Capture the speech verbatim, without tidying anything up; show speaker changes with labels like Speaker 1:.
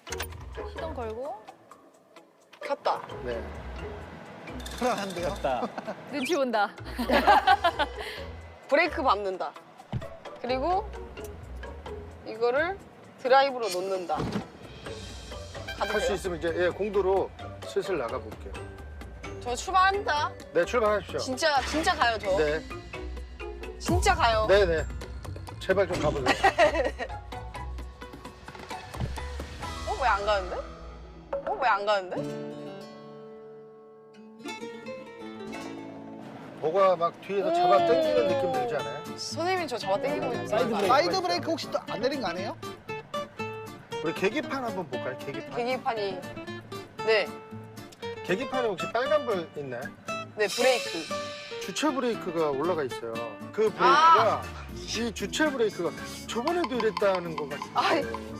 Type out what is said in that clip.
Speaker 1: 시동 걸고.
Speaker 2: 켰다.
Speaker 3: 네.
Speaker 4: 불안한데요?
Speaker 5: 됐다.
Speaker 1: 눈치 본다.
Speaker 2: 브레이크 밟는다. 그리고 이거를 드라이브로 놓는다. 가도
Speaker 3: 할 수
Speaker 2: 돼요?
Speaker 3: 있으면 이제 예, 공도로 슬슬 나가볼게요.
Speaker 2: 저 출발합니다.
Speaker 3: 네, 출발하십시오.
Speaker 2: 진짜 진짜 가요 저.
Speaker 3: 네,
Speaker 2: 진짜 가요.
Speaker 3: 네, 네. 제발 좀 가보세요.
Speaker 2: 어 왜 안 가는데? 어 왜 안 가는데?
Speaker 3: 뭐가 막 뒤에서 잡아 당기는 느낌 들지 않아요?
Speaker 2: 선생님이 저 잡아 당기고 있는
Speaker 5: 사이드
Speaker 2: 거
Speaker 5: 브레이크.
Speaker 4: 사이드 브레이크 혹시 또 안 내린 거 아니에요?
Speaker 3: 우리 계기판 한번 볼까요? 계기판.
Speaker 2: 계기판이 네,
Speaker 3: 계기판에 혹시 빨간불 있나요?
Speaker 2: 네 브레이크.
Speaker 3: 주체 브레이크가 올라가 있어요. 그 브레이크가
Speaker 2: 아!
Speaker 3: 이 주체 브레이크가 저번에도 이랬다는 것 같은데.
Speaker 2: 아